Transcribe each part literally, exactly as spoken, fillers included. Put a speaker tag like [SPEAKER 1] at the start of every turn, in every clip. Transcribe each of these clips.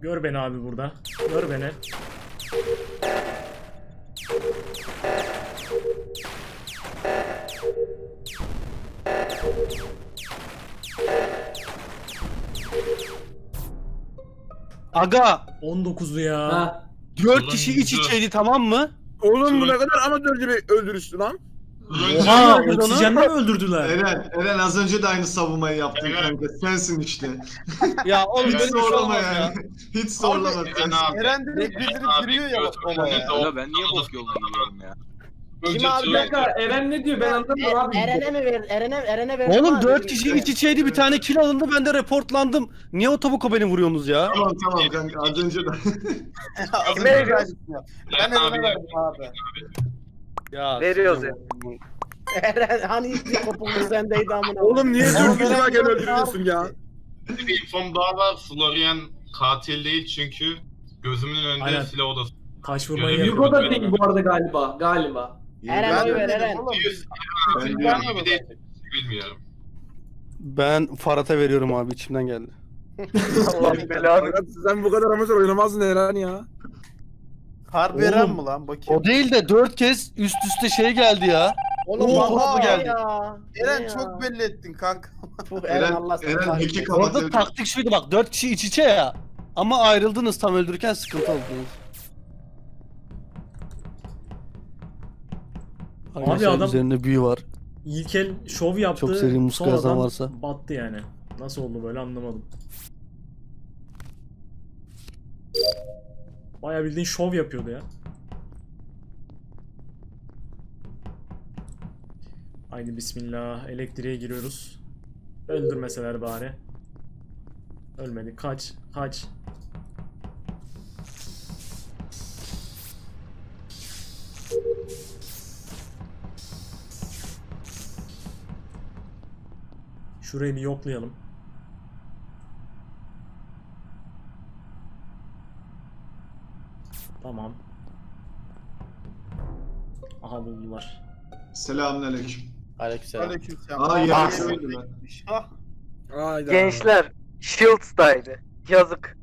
[SPEAKER 1] Gör beni abi burada. Gör beni.
[SPEAKER 2] Aga
[SPEAKER 1] on dokuzlu ya.
[SPEAKER 3] Ha.
[SPEAKER 2] dört kişi iç içeydi, tamam mı?
[SPEAKER 4] Oğlum bu ne kadar amatörce bir öldürüştü lan.
[SPEAKER 1] Oha,
[SPEAKER 2] Öldürdü onu.
[SPEAKER 1] oksijenle mi öldürdüler?
[SPEAKER 5] Eren, Eren az önce de aynı savunmayı yaptın
[SPEAKER 6] Evet.
[SPEAKER 5] kanka. Sensin işte.
[SPEAKER 2] Ya oğlum
[SPEAKER 5] Hiç
[SPEAKER 2] böyle bir şey
[SPEAKER 5] zorlama
[SPEAKER 2] olmaz ya.
[SPEAKER 5] yani. Hiç zorlama.
[SPEAKER 6] Eren
[SPEAKER 5] sensin.
[SPEAKER 6] abi.
[SPEAKER 7] Eren direkt bildirip giriyor ya olaya.
[SPEAKER 6] Ya
[SPEAKER 8] ben niye bok yoluna gidiyorum ya?
[SPEAKER 3] Kim abi? Bir dakika Eren ne diyor ben anlamadım abi.
[SPEAKER 9] Eren'e mi ver? Eren'e Eren'e ver.
[SPEAKER 2] Oğlum dört kişi iç içeydi, bir tane kill alındı, ben de reportlandım. Niye o tabuka beni vuruyorsunuz ya?
[SPEAKER 5] Tamam tamam kanka az önce de.
[SPEAKER 7] Az
[SPEAKER 3] Kime
[SPEAKER 7] önce
[SPEAKER 3] veriyoruz?
[SPEAKER 7] ben
[SPEAKER 6] Eren
[SPEAKER 7] Eren'e
[SPEAKER 6] abi
[SPEAKER 7] verdim abi.
[SPEAKER 2] Ya
[SPEAKER 3] Veriyoruz
[SPEAKER 9] Eren hani ilk kopuklu sendeydi amına.
[SPEAKER 4] Oğlum niye
[SPEAKER 7] Oğlum,
[SPEAKER 4] dört kişi
[SPEAKER 7] Eren
[SPEAKER 4] varken
[SPEAKER 7] yok
[SPEAKER 4] öldürüyorsun ya?
[SPEAKER 6] bir infom daha var. Florian katil değil çünkü gözümün önünde
[SPEAKER 1] Aynen.
[SPEAKER 6] silah odası.
[SPEAKER 1] Taş vurmayı
[SPEAKER 6] Yürü,
[SPEAKER 3] Hugo
[SPEAKER 1] yapıyor.
[SPEAKER 3] da değil bu arada galiba. Galiba.
[SPEAKER 9] Eren
[SPEAKER 7] Ben
[SPEAKER 9] oy
[SPEAKER 7] de
[SPEAKER 9] ver
[SPEAKER 7] dedim
[SPEAKER 9] Eren.
[SPEAKER 7] oğlum.
[SPEAKER 5] Ben
[SPEAKER 7] Biz
[SPEAKER 5] de-
[SPEAKER 7] vermiyoruz
[SPEAKER 6] Bir de-
[SPEAKER 7] zaten.
[SPEAKER 6] Bilmiyorum.
[SPEAKER 2] ben Farhat'a veriyorum abi, içimden geldi.
[SPEAKER 3] Allah belanı.
[SPEAKER 4] Fakat sen bu kadar amatör oynamazdın Eren ya.
[SPEAKER 7] Harbi
[SPEAKER 2] Oğlum,
[SPEAKER 7] Eren mi lan bakayım?
[SPEAKER 2] O değil de dört kez üst üste şey geldi ya.
[SPEAKER 9] Oğlum
[SPEAKER 2] Oha,
[SPEAKER 9] vallahi
[SPEAKER 2] bu geldi.
[SPEAKER 9] ya.
[SPEAKER 7] Eren
[SPEAKER 9] Ne
[SPEAKER 7] çok
[SPEAKER 9] ya?
[SPEAKER 7] belli ettin kanka.
[SPEAKER 9] Puh, Eren
[SPEAKER 5] Eren,
[SPEAKER 9] Allah seni
[SPEAKER 5] Eren
[SPEAKER 9] kahretsin.
[SPEAKER 5] iki kapat.
[SPEAKER 2] Orada taktik şuydu bak, dört kişi iç içe ya. Ama ayrıldınız, tam öldürürken sıkıntı oldunuz. Arkadaşlar,
[SPEAKER 1] adam-
[SPEAKER 2] üzerinde büyü var.
[SPEAKER 1] İlk el şov yaptı.
[SPEAKER 2] Çok seri muska yazan
[SPEAKER 1] sonradan
[SPEAKER 2] varsa.
[SPEAKER 1] battı yani. Nasıl oldu böyle anlamadım. Bayağı bildiğin şov yapıyordu ya. Haydi bismillah. Elektriğe giriyoruz. Öldürmeseler bari. Ölmedi. Kaç. Kaç. Şurayı bir yoklayalım. Tamam. Aha buldular.
[SPEAKER 5] Selamünaleyküm.
[SPEAKER 9] Aleykümselam.
[SPEAKER 7] Aleykümselam.
[SPEAKER 5] Aa ya
[SPEAKER 7] Ah.
[SPEAKER 5] söylediler.
[SPEAKER 7] Ah.
[SPEAKER 4] Hayda.
[SPEAKER 3] Gençler Shields'daydı. Yazık.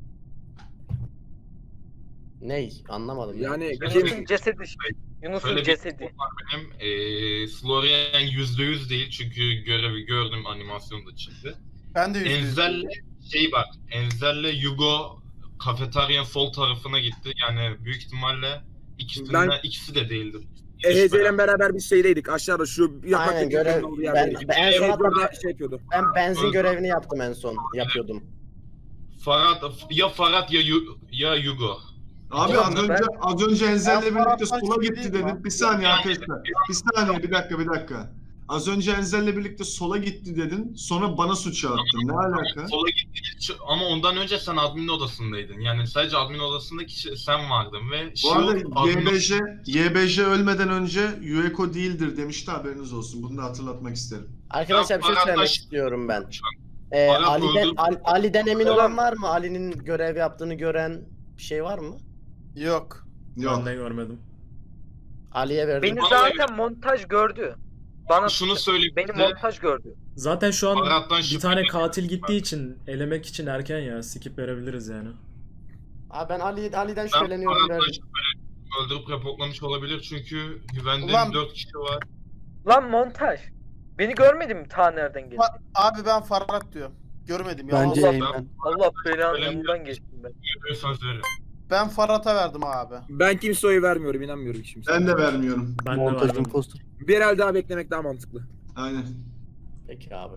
[SPEAKER 9] Ney? Anlamadım. ya.
[SPEAKER 4] Yani
[SPEAKER 6] Kim-
[SPEAKER 3] Yunus'un cesedi. Yunus'un
[SPEAKER 6] Şöyle bir
[SPEAKER 3] cesedi.
[SPEAKER 6] Benim eee Florian yüzde yüz değil çünkü görevi gördüm, animasyonda çıktı.
[SPEAKER 7] Ben de yüzde yüz.
[SPEAKER 6] Enzel'le şey bak, Enzel'le Hugo kafeteryanın sol tarafına gitti. Yani büyük ihtimalle ikisinden
[SPEAKER 4] Ben-
[SPEAKER 6] ikisi de değildir.
[SPEAKER 4] E H C ile beraber biz şeydeydik aşağıda şu yapmak
[SPEAKER 9] Aynen görev. Ben, ben en son
[SPEAKER 4] Evet
[SPEAKER 9] hatta
[SPEAKER 4] orada şey yapıyordu.
[SPEAKER 9] ben benzin görevini yaptım en son. Yapıyordum.
[SPEAKER 6] Farhat ya Farhat ya Yu- ya Hugo.
[SPEAKER 5] Abi
[SPEAKER 3] Yok,
[SPEAKER 5] az
[SPEAKER 3] ben-
[SPEAKER 5] önce az önce Enzel'le
[SPEAKER 7] Ben
[SPEAKER 5] birlikte
[SPEAKER 7] Farhat'tan
[SPEAKER 5] sola
[SPEAKER 7] şüphe
[SPEAKER 5] gitti
[SPEAKER 7] değilim
[SPEAKER 5] dedim.
[SPEAKER 7] lan.
[SPEAKER 5] Bir saniye arkadaşlar. Bir saniye bir dakika bir dakika. Az önce Enzel'le birlikte sola gitti dedin. Sonra bana suçu attın. Ne alaka?
[SPEAKER 6] Sola gitti ama ondan önce sen admin odasındaydın. Yani sadece admin odasında kişi sen vardın ve
[SPEAKER 5] Bu
[SPEAKER 6] Shield
[SPEAKER 5] arada
[SPEAKER 6] admin-
[SPEAKER 5] Y B J, Y B J ölmeden önce Yueko değildir demişti, haberiniz olsun. Bunu da hatırlatmak isterim.
[SPEAKER 9] Arkadaşlar bir şey
[SPEAKER 6] Ya,
[SPEAKER 9] söylemek
[SPEAKER 6] arkadaş-
[SPEAKER 9] istiyorum ben. Ee,
[SPEAKER 6] Farhat
[SPEAKER 9] Ali'den,
[SPEAKER 6] öldü.
[SPEAKER 9] Al- Ali'den emin olan var mı? Ali'nin görev yaptığını gören bir şey var mı?
[SPEAKER 7] Yok.
[SPEAKER 5] Yok.
[SPEAKER 1] Ben de görmedim.
[SPEAKER 9] Ali'ye verdim.
[SPEAKER 3] Beni
[SPEAKER 6] Bana
[SPEAKER 3] zaten montaj gördü. Bana
[SPEAKER 6] şunu söyleyeyim.
[SPEAKER 3] beni
[SPEAKER 6] size,
[SPEAKER 3] montaj gördü.
[SPEAKER 1] Zaten şu an
[SPEAKER 6] Farhat'tan
[SPEAKER 1] bir
[SPEAKER 6] şüphe
[SPEAKER 1] tane
[SPEAKER 6] ediyorum.
[SPEAKER 1] katil gittiği için elemek için erken ya. Skip verebiliriz yani.
[SPEAKER 9] Abi ben Ali, Ali'den
[SPEAKER 6] Ben
[SPEAKER 9] şüpheleniyorum
[SPEAKER 6] Farhat'tan
[SPEAKER 9] verdim.
[SPEAKER 6] şüpheleniyorum. Öldürüp reportlamış olabilir çünkü güvendiğim
[SPEAKER 7] Ulan-
[SPEAKER 6] dört kişi var.
[SPEAKER 3] Lan montaj. Beni görmedin mi ta nereden geldi?
[SPEAKER 7] Fa- Abi ben Farhat diyor. Görmedim ya.
[SPEAKER 2] Bence
[SPEAKER 7] Allah-
[SPEAKER 2] Eymen.
[SPEAKER 3] Allah belanı
[SPEAKER 6] Öyle mi?
[SPEAKER 3] yanından geçtim ben.
[SPEAKER 6] Görüyorsanız verin.
[SPEAKER 7] Ben Farhat'a verdim abi.
[SPEAKER 4] Ben kimseye oy vermiyorum, inanmıyorum kimseye.
[SPEAKER 5] Ben de vermiyorum.
[SPEAKER 1] Ben de
[SPEAKER 2] Montaj
[SPEAKER 1] verdim.
[SPEAKER 2] imposter.
[SPEAKER 4] Bir el daha beklemek daha mantıklı.
[SPEAKER 5] Aynen.
[SPEAKER 9] Peki abi.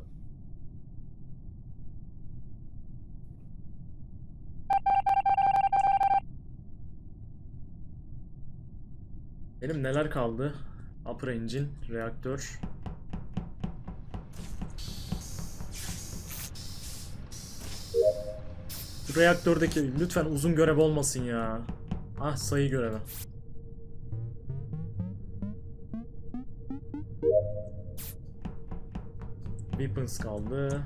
[SPEAKER 1] Benim neler kaldı? Upper engine, reaktör. Bu reaktördeki lütfen uzun görev olmasın ya. Ah, sayı görevi. Weapons kaldı.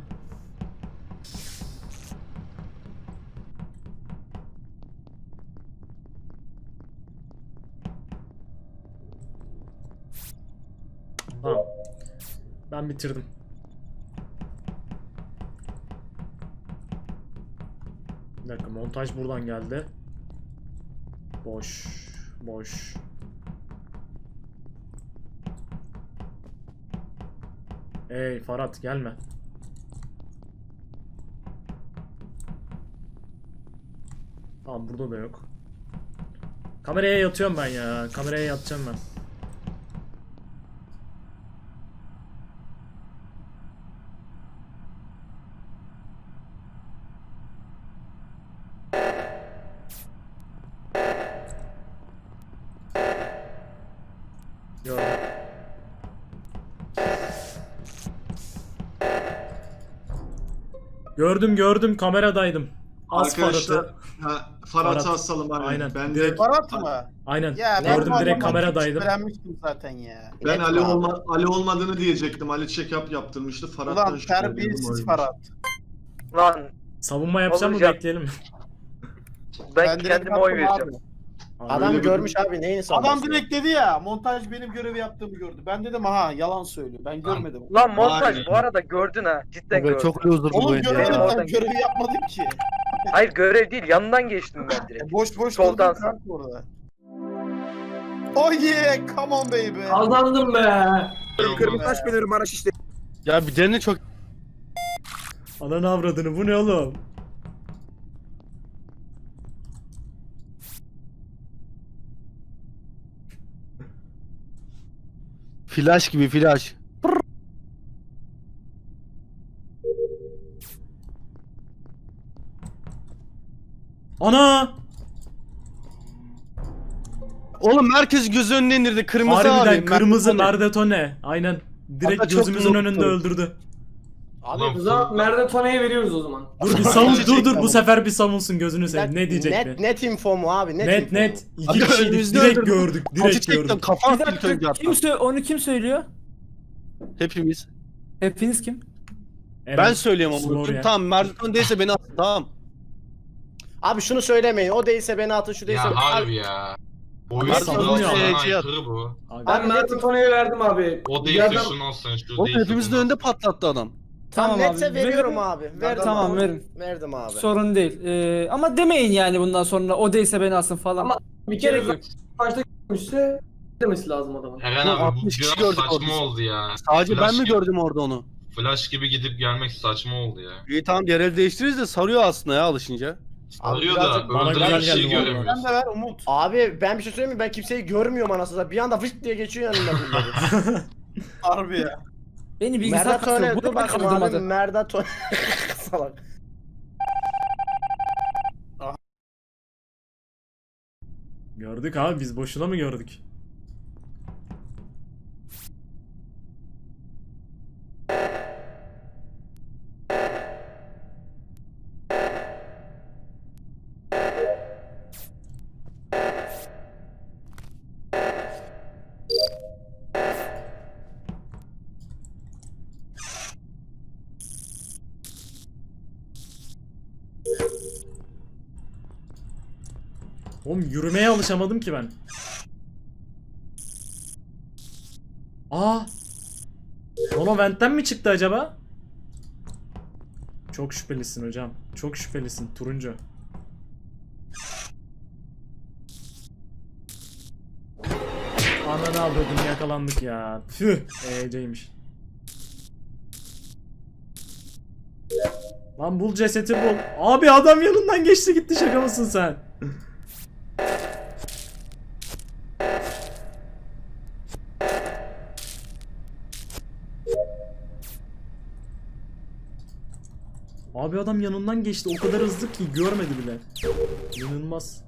[SPEAKER 1] Tamam. Ben bitirdim. Bir dakika, montaj buradan geldi. Boş. Boş. Ey Farhat gelme. Tamam, burada da yok. Kameraya yatıyorum ben ya. Kameraya yatacağım ben. Gördüm. Gördüm gördüm, kameradaydım. Az
[SPEAKER 5] Arkadaşlar
[SPEAKER 1] Farhat'ı.
[SPEAKER 5] ha, Farhat'ı
[SPEAKER 1] Farhat.
[SPEAKER 5] asalım aynen.
[SPEAKER 1] Aynen.
[SPEAKER 5] Ben
[SPEAKER 1] Direkt-
[SPEAKER 5] de
[SPEAKER 7] Farhat mı?
[SPEAKER 1] Aynen.
[SPEAKER 7] Ya
[SPEAKER 1] Gördüm,
[SPEAKER 7] bu
[SPEAKER 1] direkt
[SPEAKER 7] adamdan
[SPEAKER 1] kameradaydım.
[SPEAKER 7] şüphelenmiştim zaten ya.
[SPEAKER 5] ben
[SPEAKER 9] Net
[SPEAKER 5] Ali
[SPEAKER 9] mi abi?
[SPEAKER 5] olma, Ali olmadığını diyecektim. Ali check-up yaptırmıştı. Farhat'tan
[SPEAKER 7] Ulan
[SPEAKER 5] şüpheleniyorum,
[SPEAKER 7] terbiyesiz
[SPEAKER 5] oymuş.
[SPEAKER 7] Farhat.
[SPEAKER 3] Lan
[SPEAKER 1] Savunma yapacağım mı,
[SPEAKER 3] Olacak.
[SPEAKER 1] bekleyelim mi?
[SPEAKER 3] ben,
[SPEAKER 7] Ben direkt
[SPEAKER 3] kendime oy
[SPEAKER 7] attım
[SPEAKER 3] vereceğim.
[SPEAKER 7] abi.
[SPEAKER 9] Adam
[SPEAKER 5] Öyle bir-
[SPEAKER 9] görmüş abi, neyini
[SPEAKER 7] Adam
[SPEAKER 9] sanıyorsun?
[SPEAKER 7] direkt dedi ya, montaj benim görevi yaptığımı gördü. Ben dedim aha yalan söylüyor. Ben görmedim.
[SPEAKER 3] Lan montaj
[SPEAKER 5] Aynen.
[SPEAKER 3] bu arada gördün ha. Cidden gördün.
[SPEAKER 2] Çok loser bu
[SPEAKER 7] Oğlum
[SPEAKER 2] oyun
[SPEAKER 7] görevi,
[SPEAKER 2] ya.
[SPEAKER 3] Oradan-
[SPEAKER 7] ben görevi yapmadım ki.
[SPEAKER 3] Hayır, görev değil, yanından geçtim ben direkt.
[SPEAKER 7] E, boş boş
[SPEAKER 3] Soldan
[SPEAKER 7] durdum kanka orada. Oh yeah, come on baby.
[SPEAKER 8] Kazandım be.
[SPEAKER 4] Kırmızı taş benim bana şişti.
[SPEAKER 2] Ya bir dene çok...
[SPEAKER 1] Ananı avradını, bu ne oğlum?
[SPEAKER 2] Flash gibi flash.
[SPEAKER 1] Ana!
[SPEAKER 2] Oğlum herkes göz önüne indirdi. Kırmızı
[SPEAKER 1] Harbiden
[SPEAKER 2] abi.
[SPEAKER 1] kırmızı
[SPEAKER 2] Merdivene.
[SPEAKER 1] Merdetone. Aynen. Direkt
[SPEAKER 2] Hatta çok
[SPEAKER 1] gözümüzün
[SPEAKER 2] unuttum.
[SPEAKER 1] önünde öldürdü.
[SPEAKER 9] Abi
[SPEAKER 6] Ulan
[SPEAKER 8] O zaman Merdetone'ye veriyoruz o zaman.
[SPEAKER 1] Dur bir savun, dur dur
[SPEAKER 2] Gerçekten
[SPEAKER 1] bu
[SPEAKER 2] mi?
[SPEAKER 1] sefer bir savunsun, gözünü
[SPEAKER 9] net,
[SPEAKER 1] seveyim. Ne diyecek
[SPEAKER 9] net,
[SPEAKER 1] mi?
[SPEAKER 9] net info mu abi? Net
[SPEAKER 1] Net
[SPEAKER 9] info
[SPEAKER 1] net.
[SPEAKER 9] mu?
[SPEAKER 1] İki
[SPEAKER 2] Abi
[SPEAKER 1] kişiydik,
[SPEAKER 2] önümüzde
[SPEAKER 1] direkt
[SPEAKER 2] öldürdüm.
[SPEAKER 1] gördük.
[SPEAKER 2] Acı
[SPEAKER 1] Direkt
[SPEAKER 2] çektim.
[SPEAKER 1] gördük.
[SPEAKER 2] Kafam
[SPEAKER 8] Bir
[SPEAKER 2] ilk önce
[SPEAKER 8] dakika,
[SPEAKER 2] attım.
[SPEAKER 8] kim sö- onu kim söylüyor?
[SPEAKER 2] Hepimiz.
[SPEAKER 8] Hepiniz kim?
[SPEAKER 2] Ben
[SPEAKER 1] Eren,
[SPEAKER 2] söyleyeyim ama.
[SPEAKER 1] Florya.
[SPEAKER 2] Tamam Merdiven değilse beni at. Tamam.
[SPEAKER 9] Abi şunu söylemeyin. O değilse beni atın, şu değilse...
[SPEAKER 6] Ya harbi ya. Oyun
[SPEAKER 2] Abi,
[SPEAKER 6] sıralamasına
[SPEAKER 1] savunmuyor.
[SPEAKER 6] aykırı bu.
[SPEAKER 1] Abi,
[SPEAKER 8] Ben
[SPEAKER 9] Abi,
[SPEAKER 8] Merdetone'ye verdim abi.
[SPEAKER 6] O
[SPEAKER 8] Bir
[SPEAKER 6] değilse
[SPEAKER 8] adam-
[SPEAKER 6] şunu alsın, şu
[SPEAKER 2] Oğlum
[SPEAKER 6] değilse
[SPEAKER 2] hepimizin
[SPEAKER 6] bunu
[SPEAKER 2] önünde
[SPEAKER 6] alsın.
[SPEAKER 2] patlattı adam.
[SPEAKER 9] Tam netse
[SPEAKER 8] abi,
[SPEAKER 9] veriyorum
[SPEAKER 8] verin.
[SPEAKER 9] abi. Verdim
[SPEAKER 8] Tamam,
[SPEAKER 9] abi.
[SPEAKER 8] verin.
[SPEAKER 9] Verdim abi.
[SPEAKER 8] Sorun değil. Ee, ama demeyin yani bundan sonra o değilse beni alsın falan.
[SPEAKER 10] Ama bir
[SPEAKER 8] Gerek
[SPEAKER 10] kere
[SPEAKER 8] yok.
[SPEAKER 10] başta görmüşse demesi lazım adamın.
[SPEAKER 6] Eren
[SPEAKER 2] Bu
[SPEAKER 6] abi bu
[SPEAKER 2] altmış kişi
[SPEAKER 6] biraz
[SPEAKER 2] gördük
[SPEAKER 6] saçma
[SPEAKER 2] orada.
[SPEAKER 6] oldu ya.
[SPEAKER 2] Sadece
[SPEAKER 6] Flash
[SPEAKER 2] ben mi
[SPEAKER 6] gibi-
[SPEAKER 2] gördüm orada onu?
[SPEAKER 6] Flash gibi gidip gelmek saçma oldu ya.
[SPEAKER 2] İyi tamam diğer el değiştiririz de sarıyor aslında ya alışınca.
[SPEAKER 6] Arıyor
[SPEAKER 9] birazcık
[SPEAKER 6] da
[SPEAKER 1] bana
[SPEAKER 6] öldüren
[SPEAKER 1] güzel
[SPEAKER 6] kişiyi
[SPEAKER 1] geldi bu arada.
[SPEAKER 7] Sen
[SPEAKER 6] göremiyorsun.
[SPEAKER 7] de ver Umut.
[SPEAKER 9] Abi ben bir şey söyleyeyim mi? Ben kimseyi görmüyorum anasını satayım. Bir anda fışt diye geçiyor yanımdan birileri.
[SPEAKER 7] Harbi ya.
[SPEAKER 8] Beni bilgisayar
[SPEAKER 9] Merdatone
[SPEAKER 8] kasıyor.
[SPEAKER 9] dur
[SPEAKER 8] Bunu da
[SPEAKER 9] bakayım abi.
[SPEAKER 8] kaldırmadı.
[SPEAKER 9] Merdatone. Salak.
[SPEAKER 1] gördük abi, biz boşuna mı gördük? Oğlum yürümeye alışamadım ki ben. Aa! Mono Vent'ten mi çıktı acaba? Çok şüphelisin hocam. Çok şüphelisin turuncu. Ananı avradım, yakalandık ya. Tüh. E'ceymiş. Lan bul cesedi bul. Abi adam yanından geçti gitti, şaka mısın sen? Abi adam yanından geçti, o kadar hızlı ki görmedi bile. İnanılmaz.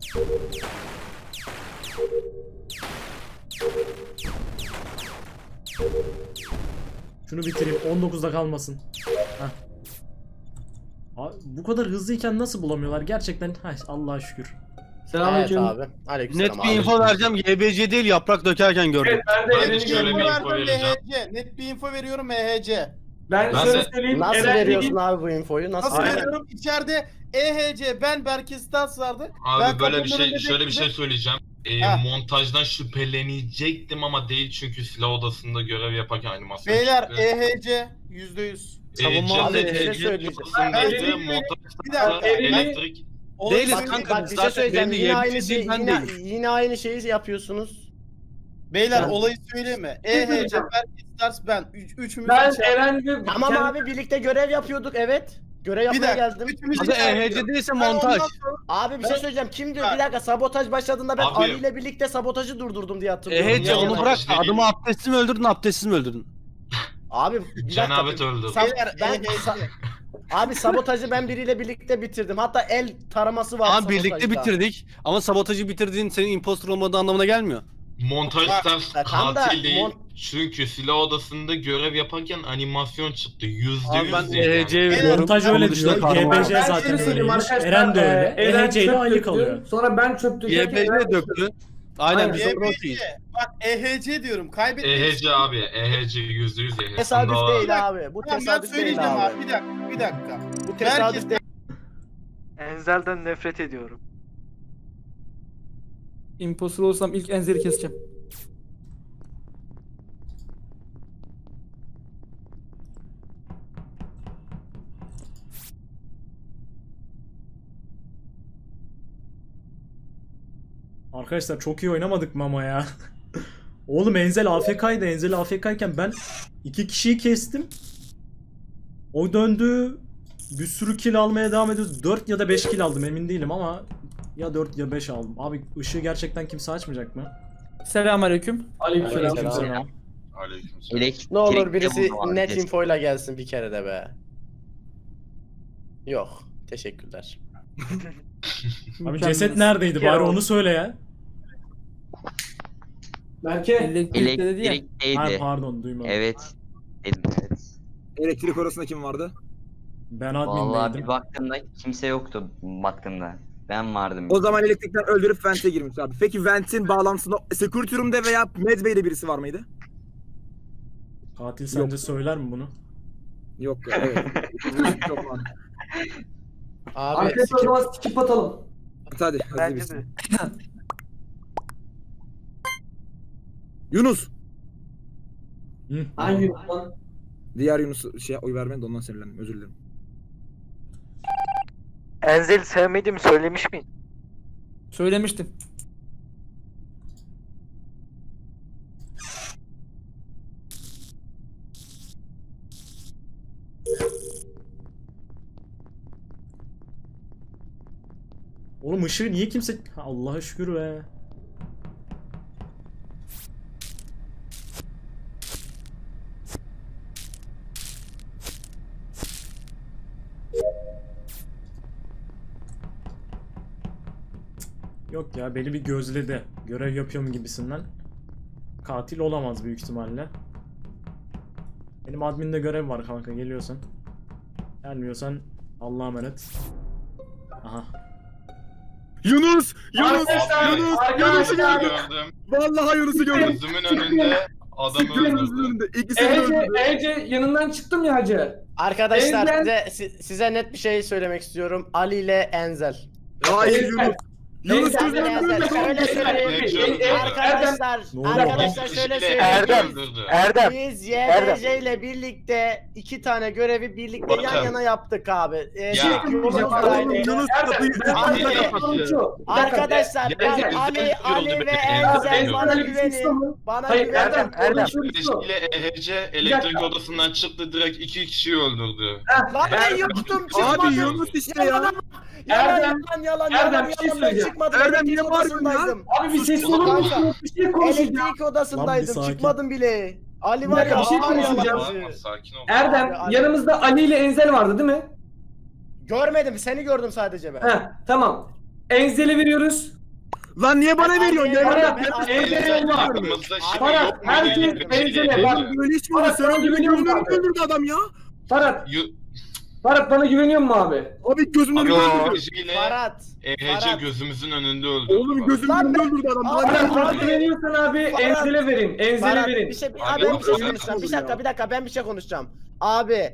[SPEAKER 1] Şunu bitireyim, on dokuzda kalmasın. Heh. Abi, bu kadar hızlıyken nasıl bulamıyorlar gerçekten? Heh, Allah'a şükür.
[SPEAKER 9] Evet
[SPEAKER 10] Selamünaleyküm.
[SPEAKER 9] abi. Aleykümselam
[SPEAKER 2] Net bir
[SPEAKER 9] abi.
[SPEAKER 2] info vereceğim. Y B C değil yaprak dökerken gördüm.
[SPEAKER 10] Evet ben de
[SPEAKER 6] Ben de
[SPEAKER 10] Eren'i
[SPEAKER 6] şöyle
[SPEAKER 10] gördüm.
[SPEAKER 6] bir
[SPEAKER 7] Info
[SPEAKER 6] info
[SPEAKER 7] verdim
[SPEAKER 6] vereceğim.
[SPEAKER 7] M H C. Net bir info veriyorum M H C.
[SPEAKER 10] Ben,
[SPEAKER 6] Ben
[SPEAKER 10] şöyle
[SPEAKER 6] de-
[SPEAKER 10] söyleyeyim.
[SPEAKER 9] Nasıl
[SPEAKER 10] Eren
[SPEAKER 9] veriyorsun
[SPEAKER 10] dediğin-
[SPEAKER 9] abi bu infoyu? Nasıl
[SPEAKER 7] Nasıl
[SPEAKER 9] veriyorsun?
[SPEAKER 7] veriyorum? İçeride E H C, ben Berke Stas vardı.
[SPEAKER 6] Abi
[SPEAKER 7] Ben
[SPEAKER 6] böyle bir
[SPEAKER 7] kapının
[SPEAKER 6] şey,
[SPEAKER 7] önünde
[SPEAKER 6] şöyle bir şey
[SPEAKER 7] bekledim.
[SPEAKER 6] söyleyeceğim. Ee,
[SPEAKER 7] Ha.
[SPEAKER 6] montajdan şüphelenecektim ama değil, çünkü silah odasında görev yaparken animasyon
[SPEAKER 7] Beyler
[SPEAKER 6] çıktı.
[SPEAKER 7] E H C yüzde yüz.
[SPEAKER 2] Savunma
[SPEAKER 6] Ee,
[SPEAKER 2] abi,
[SPEAKER 6] ceset
[SPEAKER 9] bir şey
[SPEAKER 6] E H C
[SPEAKER 9] söyleyeceğim.
[SPEAKER 6] odasındaydı,
[SPEAKER 10] Ben-
[SPEAKER 6] montaj
[SPEAKER 7] Bir dakika,
[SPEAKER 6] sırasında
[SPEAKER 10] ben-
[SPEAKER 6] elektrik
[SPEAKER 7] Olayı
[SPEAKER 2] Değiliz
[SPEAKER 7] söyle-
[SPEAKER 2] kanka.
[SPEAKER 9] Bak bir şey
[SPEAKER 2] Zaten
[SPEAKER 9] söyleyeceğim.
[SPEAKER 2] benim de
[SPEAKER 9] Yine
[SPEAKER 2] Y B C
[SPEAKER 9] aynı şey
[SPEAKER 2] değil, ben
[SPEAKER 9] yine,
[SPEAKER 2] değilim.
[SPEAKER 9] yine aynı şeyi yapıyorsunuz.
[SPEAKER 7] Beyler
[SPEAKER 10] Ben-
[SPEAKER 7] olayı söyleme. E H C,
[SPEAKER 10] söyleyeceğim.
[SPEAKER 7] Berk, Stars ben. Üç, üçümüz
[SPEAKER 10] Ben
[SPEAKER 7] içeride-
[SPEAKER 10] Eren ve
[SPEAKER 9] Tamam
[SPEAKER 10] Kendi-
[SPEAKER 9] abi birlikte görev yapıyorduk evet. Görev
[SPEAKER 7] Bir
[SPEAKER 9] yapmaya
[SPEAKER 7] dakika.
[SPEAKER 9] geldim.
[SPEAKER 7] Üçümüz
[SPEAKER 2] Adı
[SPEAKER 7] içeride.
[SPEAKER 2] E H C değilse
[SPEAKER 7] Ben
[SPEAKER 2] montaj.
[SPEAKER 7] ondan sonra-
[SPEAKER 9] Abi bir şey
[SPEAKER 7] Ben-
[SPEAKER 9] söyleyeceğim. Kim diyor?
[SPEAKER 7] Ha.
[SPEAKER 9] Bir dakika sabotaj başladığında ben
[SPEAKER 6] Abi-
[SPEAKER 9] Ali ile birlikte sabotajı durdurdum diye hatırlıyorum.
[SPEAKER 2] E H C
[SPEAKER 6] Ya,
[SPEAKER 2] onu
[SPEAKER 6] montaj
[SPEAKER 2] bırak.
[SPEAKER 6] değil.
[SPEAKER 2] Adımı abdestsiz mi öldürdün, abdestsiz mi öldürdün?
[SPEAKER 9] Abi bir dakika.
[SPEAKER 6] Cenabet öldü.
[SPEAKER 9] Sa-
[SPEAKER 7] Beyler,
[SPEAKER 9] ben
[SPEAKER 7] E H C.
[SPEAKER 9] sa- abi sabotajı ben biriyle birlikte bitirdim. Hatta el taraması var
[SPEAKER 2] Ama birlikte
[SPEAKER 9] sabotajda.
[SPEAKER 2] bitirdik. Ama sabotajı bitirdiğin senin impostor olmadığı anlamına gelmiyor.
[SPEAKER 6] Montaj
[SPEAKER 7] Bak,
[SPEAKER 6] Stars
[SPEAKER 9] bak, tam da
[SPEAKER 6] katil değil.
[SPEAKER 9] mon-
[SPEAKER 6] Çünkü silah odasında görev yaparken animasyon çıktı. Yüzde
[SPEAKER 2] Abi ben
[SPEAKER 6] yüz değil
[SPEAKER 2] E H C'ye
[SPEAKER 6] yani.
[SPEAKER 2] veriyorum.
[SPEAKER 1] Montaj
[SPEAKER 2] Onun
[SPEAKER 1] öyle
[SPEAKER 2] dışında
[SPEAKER 1] diyor.
[SPEAKER 2] kahraman
[SPEAKER 1] G B
[SPEAKER 2] var.
[SPEAKER 1] C
[SPEAKER 10] Ben
[SPEAKER 1] zaten
[SPEAKER 10] şöyle söyleyeyim
[SPEAKER 1] öyleymiş.
[SPEAKER 10] arkadaşlar,
[SPEAKER 1] Eren de öyle.
[SPEAKER 10] e, Eren
[SPEAKER 1] E H C ile
[SPEAKER 10] çöp
[SPEAKER 1] Ali
[SPEAKER 10] döktü,
[SPEAKER 1] kalıyor.
[SPEAKER 10] Sonra ben çöp dökerken
[SPEAKER 2] Y B
[SPEAKER 10] Eren
[SPEAKER 2] C döktü. Aynen
[SPEAKER 10] Aynen.
[SPEAKER 2] bizim
[SPEAKER 7] E H
[SPEAKER 2] rol
[SPEAKER 7] C.
[SPEAKER 2] değil.
[SPEAKER 7] Bak E H C diyorum. Kaybettik.
[SPEAKER 6] E H C abi. E H C yüzde yüz E H C.
[SPEAKER 9] Tesadüf
[SPEAKER 6] Bunda-
[SPEAKER 9] değil abi. Bu
[SPEAKER 7] Tamam ben
[SPEAKER 9] tesadüf değil
[SPEAKER 7] söyleyeceğim
[SPEAKER 9] abi.
[SPEAKER 7] abi. Bir dakika. Bir dakika.
[SPEAKER 9] Bu tesadüf değil.
[SPEAKER 3] Enzel'den nefret ediyorum.
[SPEAKER 8] Imposter olsam ilk Enzel'i keseceğim.
[SPEAKER 1] Arkadaşlar çok iyi oynamadık mı ama ya? Oğlum Enzel A F K'ydı. Enzel A F K'yken ben iki kişiyi kestim. O döndü. Bir sürü kill almaya devam ediyordu. dört ya da beş kill aldım emin değilim ama ya dört ya beş aldım. Abi ışığı gerçekten kimse açmayacak mı?
[SPEAKER 8] Selamünaleyküm.
[SPEAKER 10] Aleykümselam.
[SPEAKER 1] Aleykümselam.
[SPEAKER 6] Aleykümselam.
[SPEAKER 9] Ne olur birisi net infoyla gelsin bir kere de be. Yok. Teşekkürler.
[SPEAKER 1] Abi ceset neredeydi bari onu söyle ya.
[SPEAKER 10] Berke
[SPEAKER 8] Elektrikte dedi ya.
[SPEAKER 1] Ha,
[SPEAKER 11] Elektrikteydi.
[SPEAKER 1] pardon duymadım.
[SPEAKER 11] Evet. Dedim evet.
[SPEAKER 4] Elektrik odasında kim vardı?
[SPEAKER 1] Ben
[SPEAKER 11] Vallahi
[SPEAKER 1] admindeydim.
[SPEAKER 11] bir baktığımda kimse yoktu baktığımda. Ben vardım.
[SPEAKER 4] O zaman elektrikten öldürüp vent'e girmiş abi. Peki vent'in bağlantısında security room'da veya medbay'de birisi var mıydı?
[SPEAKER 1] Katil sence söyler mi bunu?
[SPEAKER 4] Yok. Evet. Çok mantıklı.
[SPEAKER 9] Abi
[SPEAKER 10] arkadaşlar o zaman skip atalım.
[SPEAKER 4] Hadi. hadi
[SPEAKER 3] Bence
[SPEAKER 4] birisi.
[SPEAKER 3] de.
[SPEAKER 4] Yunus.
[SPEAKER 1] Hı.
[SPEAKER 10] Hangi lan?
[SPEAKER 4] Diğer Yunus şey oy vermedi de ondan sinirlendim. Özür dilerim.
[SPEAKER 3] Enzel'i sevmediğimi söylemiş miyim?
[SPEAKER 8] Söylemiştim.
[SPEAKER 1] Oğlum ışığı niye kimse... Allah'a şükür be. Yok ya beni bir gözledi. Görev yapıyorum gibisinden. Katil olamaz büyük ihtimalle. Benim adminde görev var kanka geliyorsan. Gelmiyorsan Allah'a emanet. Aha.
[SPEAKER 4] Yunus! Yunus!
[SPEAKER 10] Arkadaşlar,
[SPEAKER 4] Yunus! Yunus'u
[SPEAKER 10] arkadaşlar.
[SPEAKER 4] gördüm.
[SPEAKER 6] Gördüm.
[SPEAKER 4] Vallahi Yunus'u gördüm.
[SPEAKER 6] Gözümün önünde adamı
[SPEAKER 4] Gözümüzün
[SPEAKER 6] öldürdü.
[SPEAKER 4] önünde. İkisini de
[SPEAKER 10] Ece,
[SPEAKER 4] öldürdü.
[SPEAKER 10] Ece yanından çıktım ya hacı.
[SPEAKER 9] arkadaşlar
[SPEAKER 10] Enzel-
[SPEAKER 9] size, si- size net bir şey söylemek istiyorum. Ali ile Enzel.
[SPEAKER 4] Hayır
[SPEAKER 10] Enzel.
[SPEAKER 4] Yunus. Yunus
[SPEAKER 10] Enzel,
[SPEAKER 4] gözümün
[SPEAKER 9] Enzel,
[SPEAKER 4] önünde.
[SPEAKER 9] şöyle söyleyeyim.
[SPEAKER 6] Erdem.
[SPEAKER 9] Arkadaşlar,
[SPEAKER 1] Ne oluyor?
[SPEAKER 9] arkadaşlar
[SPEAKER 6] Bir
[SPEAKER 9] şöyle
[SPEAKER 6] kişiyle
[SPEAKER 9] söyleyeyim.
[SPEAKER 3] Erdem.
[SPEAKER 6] öldürdü.
[SPEAKER 3] Erdem.
[SPEAKER 9] Biz
[SPEAKER 3] Erdem.
[SPEAKER 9] Y B C ile birlikte iki tane görevi birlikte yan
[SPEAKER 6] Bakın.
[SPEAKER 9] yana yaptık abi. Ee,
[SPEAKER 6] Ya.
[SPEAKER 9] şey, yolumuzdaydı.
[SPEAKER 4] Yunus kapıyı
[SPEAKER 9] Abi,
[SPEAKER 4] üstüne
[SPEAKER 6] abi.
[SPEAKER 4] kapattı.
[SPEAKER 9] Arkadaşlar
[SPEAKER 6] Ya,
[SPEAKER 9] ben
[SPEAKER 6] Erdem,
[SPEAKER 9] Ali,
[SPEAKER 6] Erdem
[SPEAKER 9] Ali
[SPEAKER 6] gördü
[SPEAKER 9] ve
[SPEAKER 6] beni.
[SPEAKER 9] Enzel
[SPEAKER 6] Erdem
[SPEAKER 9] bana
[SPEAKER 6] gördü.
[SPEAKER 9] güvenin. Bana
[SPEAKER 10] Hayır
[SPEAKER 9] güvenin.
[SPEAKER 10] Erdem,
[SPEAKER 3] Erdem.
[SPEAKER 6] Kardeşiyle E H C elektrik odasından çıktı direkt iki kişiyi öldürdü.
[SPEAKER 9] Lan ben yoktum çıkmadım.
[SPEAKER 4] Abi Yunus işte ya.
[SPEAKER 9] Yalan, yalan,
[SPEAKER 10] Erdem,
[SPEAKER 9] yalan, yalan,
[SPEAKER 10] Erdem,
[SPEAKER 9] yalan,
[SPEAKER 10] bir şey
[SPEAKER 9] yalan, ben
[SPEAKER 10] söyleyeceğim.
[SPEAKER 9] çıkmadım.
[SPEAKER 4] Erdem,
[SPEAKER 9] Elektrik
[SPEAKER 4] niye bağırıyorsun ya?
[SPEAKER 9] odasındaydım.
[SPEAKER 10] Abi bir ses
[SPEAKER 6] Oğlum,
[SPEAKER 10] olur
[SPEAKER 9] kanka.
[SPEAKER 10] musun? Bir şey konuşacağım.
[SPEAKER 9] Elektrik
[SPEAKER 1] Lan
[SPEAKER 9] odasındaydım.
[SPEAKER 1] bir sakin.
[SPEAKER 9] Çıkmadım bile. Ali
[SPEAKER 10] Bir
[SPEAKER 9] var
[SPEAKER 10] dakika,
[SPEAKER 9] ya.
[SPEAKER 10] bir şey
[SPEAKER 9] hala
[SPEAKER 10] konuşacağım.
[SPEAKER 9] yalancı.
[SPEAKER 6] Tamam, sakin ol.
[SPEAKER 10] Erdem
[SPEAKER 9] Abi, Ali.
[SPEAKER 10] yanımızda Ali ile Enzel vardı değil mi?
[SPEAKER 9] Görmedim. Seni gördüm sadece ben.
[SPEAKER 10] Heh tamam. Enzel'e veriyoruz.
[SPEAKER 4] Lan niye bana veriyorsun?
[SPEAKER 9] Ben-
[SPEAKER 4] Ya
[SPEAKER 10] ben-
[SPEAKER 4] ya.
[SPEAKER 10] ben-
[SPEAKER 6] Enzel
[SPEAKER 10] Enzel-
[SPEAKER 6] aklımızda şimdi
[SPEAKER 10] Farah,
[SPEAKER 6] yok mu?
[SPEAKER 10] herkes
[SPEAKER 6] Yani bir şey
[SPEAKER 10] Enzel'e
[SPEAKER 6] değil.
[SPEAKER 10] bak.
[SPEAKER 4] Böyle hiç mi olur?
[SPEAKER 10] Bana
[SPEAKER 4] Sen
[SPEAKER 10] sana
[SPEAKER 4] gözümün
[SPEAKER 10] güveniyorum
[SPEAKER 4] önünde
[SPEAKER 10] abi.
[SPEAKER 4] öldürdü adam ya.
[SPEAKER 10] Ferhat,
[SPEAKER 6] Yu-
[SPEAKER 10] Ferhat bana güveniyor musun abi?
[SPEAKER 4] Abi gözümün
[SPEAKER 6] Abi
[SPEAKER 4] önünde
[SPEAKER 6] E
[SPEAKER 4] öldürdü.
[SPEAKER 6] H C ile
[SPEAKER 9] Farhat.
[SPEAKER 6] E H C
[SPEAKER 9] Farhat.
[SPEAKER 6] gözümüzün önünde öldürdü.
[SPEAKER 4] Oğlum gözümün
[SPEAKER 9] Lan
[SPEAKER 4] önünde
[SPEAKER 9] ben-
[SPEAKER 4] öldürdü adam.
[SPEAKER 9] Abi,
[SPEAKER 4] Bana
[SPEAKER 10] Ferhat bana
[SPEAKER 9] abi.
[SPEAKER 10] güveniyorsan abi
[SPEAKER 9] Farhat.
[SPEAKER 10] Enzel'e verin. Enzel'e
[SPEAKER 9] Farhat,
[SPEAKER 10] verin.
[SPEAKER 9] bir şey,
[SPEAKER 6] Abi,
[SPEAKER 9] abi, ben bir şey
[SPEAKER 6] yok,
[SPEAKER 9] konuşacağım. Bir
[SPEAKER 4] yok.
[SPEAKER 9] dakika, bir dakika ben bir şey konuşacağım. Abi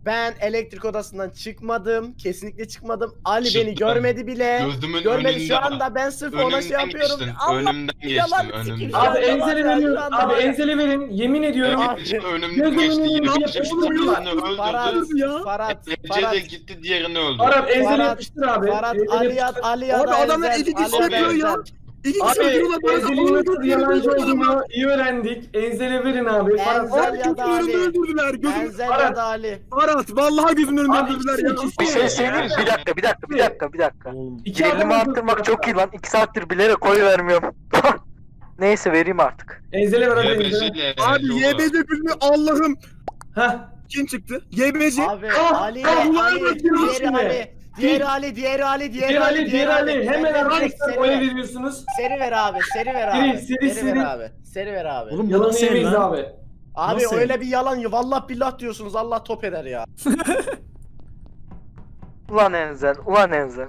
[SPEAKER 9] Ben elektrik odasından çıkmadım. Kesinlikle çıkmadım. Ali
[SPEAKER 6] Çıktın.
[SPEAKER 9] beni görmedi bile.
[SPEAKER 6] Gözümün
[SPEAKER 9] Görmedi
[SPEAKER 6] önünde.
[SPEAKER 9] şu anda ben sırf ona şey
[SPEAKER 6] Önümden
[SPEAKER 9] yapıyorum.
[SPEAKER 6] geçtin.
[SPEAKER 9] Allah
[SPEAKER 6] Önümden
[SPEAKER 9] yalan
[SPEAKER 6] geçtin.
[SPEAKER 9] sikeyim
[SPEAKER 6] Önümden.
[SPEAKER 9] şu an.
[SPEAKER 10] Abi Enzel'e
[SPEAKER 9] var ya,
[SPEAKER 10] veriyorum.
[SPEAKER 9] şu anda
[SPEAKER 10] Abi
[SPEAKER 9] var ya.
[SPEAKER 10] Enzel'e verin. Yemin ediyorum.
[SPEAKER 9] Abi,
[SPEAKER 6] Evet, önümden
[SPEAKER 10] gözümün
[SPEAKER 6] geçti.
[SPEAKER 10] önünde
[SPEAKER 6] Yine
[SPEAKER 10] yapıştır
[SPEAKER 6] geçti.
[SPEAKER 10] ya.
[SPEAKER 6] Birini
[SPEAKER 9] Farhat,
[SPEAKER 6] öldürdü.
[SPEAKER 4] ya.
[SPEAKER 9] Farhat,
[SPEAKER 6] Ece de
[SPEAKER 9] Farhat,
[SPEAKER 6] gitti diğerini öldürdü.
[SPEAKER 10] Arap Enzel'e
[SPEAKER 9] Farhat,
[SPEAKER 10] yapıştır abi.
[SPEAKER 9] Farhat,
[SPEAKER 10] Enzel'e
[SPEAKER 9] Ali ya,
[SPEAKER 10] yapıştır.
[SPEAKER 9] Ali ya
[SPEAKER 4] Abi
[SPEAKER 9] da
[SPEAKER 4] adamlar
[SPEAKER 9] Enzel,
[SPEAKER 4] iki kişi
[SPEAKER 9] Ali ya da
[SPEAKER 4] yapıyor ya.
[SPEAKER 9] Enzel.
[SPEAKER 4] İki kişi
[SPEAKER 10] Abi
[SPEAKER 4] öldürüyorlar. Bana
[SPEAKER 10] Enzel'in nasıl
[SPEAKER 4] öldürdüler,
[SPEAKER 10] yalancı
[SPEAKER 4] öldürdüler.
[SPEAKER 10] olduğunu iyi öğrendik. Enzel'e verin abi. Farhat.
[SPEAKER 9] Enzel
[SPEAKER 4] Abi
[SPEAKER 9] ya da
[SPEAKER 4] gözümün önünde
[SPEAKER 9] Ali.
[SPEAKER 4] öldürdüler. Gözüm...
[SPEAKER 9] Enzel
[SPEAKER 10] Farhat.
[SPEAKER 9] ya da Ali.
[SPEAKER 4] Arat vallahi gözümün önünde
[SPEAKER 10] Abi
[SPEAKER 4] öldürdüler
[SPEAKER 10] ikisi,
[SPEAKER 4] ya.
[SPEAKER 10] ikisi.
[SPEAKER 3] Bir şey söyleyeyim mi? Bir dakika bir dakika bir dakika bir dakika.
[SPEAKER 1] Oğlum
[SPEAKER 10] İki
[SPEAKER 3] Gerilimi
[SPEAKER 10] adam
[SPEAKER 3] arttırmak
[SPEAKER 10] öldürdüler.
[SPEAKER 3] çok iyi lan. iki saattir bilerek koy vermiyorum. Neyse vereyim artık.
[SPEAKER 10] Enzel'e ver hadi Enzel'e.
[SPEAKER 6] Y B C ile
[SPEAKER 4] Abi
[SPEAKER 6] Yogo.
[SPEAKER 4] Y B C filmi Allah'ım.
[SPEAKER 10] Heh.
[SPEAKER 4] Kim çıktı? Y B C.
[SPEAKER 9] Abi
[SPEAKER 10] Ah,
[SPEAKER 9] Ali,
[SPEAKER 10] ah,
[SPEAKER 9] Ali,
[SPEAKER 10] bunlar
[SPEAKER 9] diğeri
[SPEAKER 10] şimdi.
[SPEAKER 9] Ali. Diğeri Ali, diğeri Ali,
[SPEAKER 10] Diğer
[SPEAKER 9] diğeri
[SPEAKER 10] Ali,
[SPEAKER 9] Ali,
[SPEAKER 10] diğer Ali. Hemen
[SPEAKER 9] Seri ver,
[SPEAKER 10] arkadaşlar
[SPEAKER 9] seri
[SPEAKER 10] oy
[SPEAKER 9] ver.
[SPEAKER 10] veriyorsunuz.
[SPEAKER 9] Seri ver abi, seri ver
[SPEAKER 10] Seri,
[SPEAKER 9] abi.
[SPEAKER 10] seri,
[SPEAKER 9] Seri ver
[SPEAKER 10] seri.
[SPEAKER 9] abi. Seri ver abi.
[SPEAKER 1] oğlum bu
[SPEAKER 10] Yalanı
[SPEAKER 1] nasıl el
[SPEAKER 10] yemeyiz
[SPEAKER 1] lan?
[SPEAKER 10] abi.
[SPEAKER 9] Abi
[SPEAKER 1] nasıl
[SPEAKER 9] öyle bir yalan ya. Vallahi billah diyorsunuz. Allah top eder ya.
[SPEAKER 3] Ulan Enzel, ulan Enzel.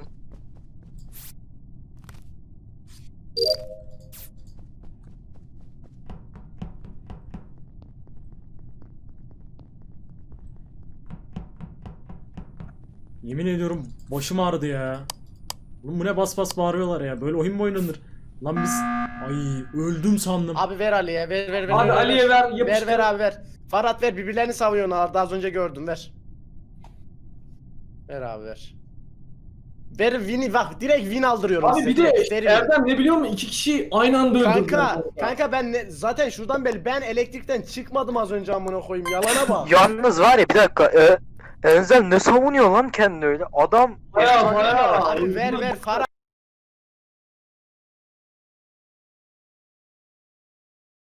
[SPEAKER 1] Yemin ediyorum başım ağrıdı ya. Oğlum bu ne bas bas bağırıyorlar ya. Böyle oyun mu oynanır? Lan biz... Ay öldüm sandım.
[SPEAKER 9] Abi ver Ali'ye. Ver ver ver.
[SPEAKER 10] Abi
[SPEAKER 9] ver,
[SPEAKER 10] Ali'ye ver,
[SPEAKER 9] Ver
[SPEAKER 10] yapıştır.
[SPEAKER 9] ver abi ver. Farhat ver. Birbirlerini savuyorlar. Daha az önce gördüm. Ver. Ver abi ver. Ver win'i bak. Direkt win aldırıyorum
[SPEAKER 10] Abi
[SPEAKER 9] size.
[SPEAKER 10] bir de
[SPEAKER 9] Direkt seri win.
[SPEAKER 10] Erdem ne biliyor musun? İki kişi aynı anda öldürdüler.
[SPEAKER 9] Kanka, kanka ben ne, zaten şuradan belli ben elektrikten çıkmadım az önce amına koyayım yalana bak.
[SPEAKER 3] Yalnız var ya bir dakika. E, Enzel ne savunuyor lan kendini öyle? Adam
[SPEAKER 10] Baya baya.
[SPEAKER 9] Abi ver ver Farhat